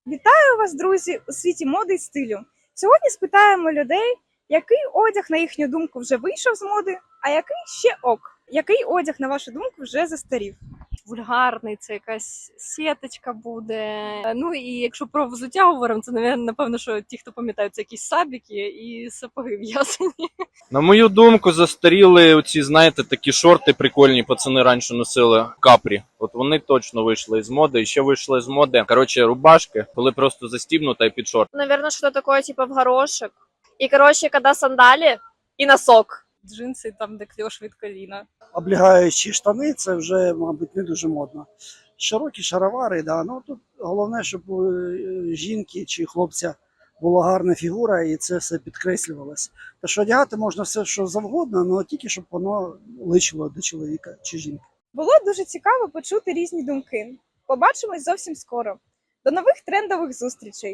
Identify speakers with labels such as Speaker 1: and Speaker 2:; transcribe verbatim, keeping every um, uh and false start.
Speaker 1: Вітаю вас, друзі, у світі моди і стилю. Сьогодні спитаємо людей, який одяг, на їхню думку, вже вийшов з моди, а який ще ок. Який одяг, на вашу думку, вже застарів?
Speaker 2: Вульгарний, це якась сіточка буде. Ну і якщо про взуття говоримо, це наве- напевно, що ті, хто пам'ятають, це якісь сабіки і сапоги в'язані.
Speaker 3: На мою думку, застаріли оці, знаєте, такі шорти прикольні, пацани раніше носили капрі. От вони точно вийшли з моди. І ще вийшли з моди, коротше, рубашки, коли просто застібнута і під шорт.
Speaker 4: Наверное, что-то такое типа в горошек. И, короче, когда сандали и носок.
Speaker 2: Джинси там, де кльош від коліна.
Speaker 5: Облігаючі штани, це вже, мабуть, не дуже модно. Широкі шаровари, да. Ну тут головне, щоб у е, жінки чи хлопця була гарна фігура і це все підкреслювалося. Та що одягати можна все, що завгодно, але тільки щоб воно личило до чоловіка чи жінки.
Speaker 1: Було дуже цікаво почути різні думки. Побачимось зовсім скоро. До нових трендових зустрічей!